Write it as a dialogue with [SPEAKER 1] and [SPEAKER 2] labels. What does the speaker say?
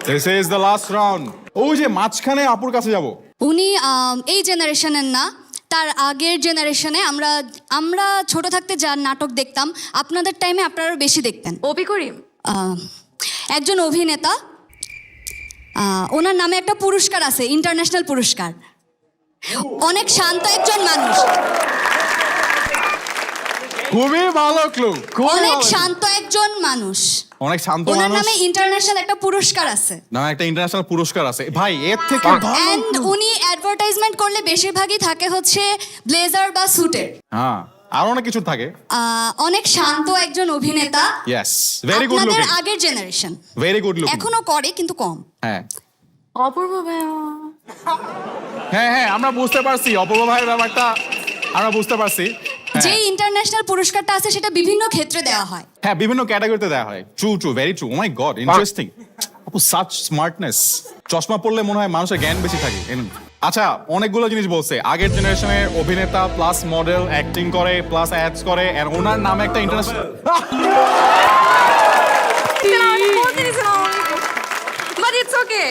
[SPEAKER 1] This is the last round. ওই যে মাঝখানে আপুর কাছে যাব।
[SPEAKER 2] উনি এই জেনারেশনের না, তার আগের জেনারেশনে আমরা ছোট থাকতে যার নাটক দেখতাম, আপনাদের টাইমে আপনারা বেশি দেখতেন।
[SPEAKER 3] অপি করিম।
[SPEAKER 2] একজন অভিনেতা, ওনার নামে একটা পুরস্কার আছে, ইন্টারন্যাশনাল পুরস্কার। অনেক শান্ত একজন মানুষ,
[SPEAKER 1] খুবই ভালো ক্লু,
[SPEAKER 2] অনেক শান্ত একজন মানুষ,
[SPEAKER 1] অনেক শান্ত
[SPEAKER 2] ওনার
[SPEAKER 1] মানুষ।
[SPEAKER 2] নামে ইন্টারন্যাশনাল একটা পুরস্কার আছে।
[SPEAKER 1] না, একটা ইন্টারন্যাশনাল পুরস্কার আছে ভাই, এর থেকে ভালো
[SPEAKER 2] এন্ড উনি অ্যাডভার্টাইজমেন্ট করলে বেশিরভাগই থাকে হচ্ছে ব্লেজার বা স্যুটের।
[SPEAKER 1] হ্যাঁ, আর অনেক কিছু থাকে।
[SPEAKER 2] অনেক শান্ত একজন অভিনেতা।
[SPEAKER 1] ইয়েস, ভেরি গুড
[SPEAKER 2] আপনাদের
[SPEAKER 1] লুকিং,
[SPEAKER 2] আগের জেনারেশন,
[SPEAKER 1] ভেরি গুড লুকিং।
[SPEAKER 2] এখনো করে কিন্তু কম।
[SPEAKER 1] হ্যাঁ
[SPEAKER 3] অপূর্ব ভাইয়া।
[SPEAKER 1] হ্যাঁ হ্যাঁ, আমরা বুঝতে পারছি অপূর্ব ভাইয়ের ব্যাপারটা, আমরা বুঝতে পারছি।
[SPEAKER 2] যে ইন্টারন্যাশনাল পুরস্কারটা আছে সেটা বিভিন্ন ক্ষেত্রে দেওয়া হয়।
[SPEAKER 1] হ্যাঁ, বিভিন্ন ক্যাটাগরিতে দেওয়া হয়। True true, very true. Oh my god, interesting. আপু সাচ স্মার্টনেস। চশমা পড়লে মনে হয় মানুষের জ্ঞান বেশি থাকে। আচ্ছা, অনেকগুলো জিনিস বলছে। আগের জেনারেশনের অভিনেতা প্লাস মডেল, অ্যাক্টিং করে প্লাস অ্যাডস করে, আর ওনার নামে একটা ইন্টারন্যাশনাল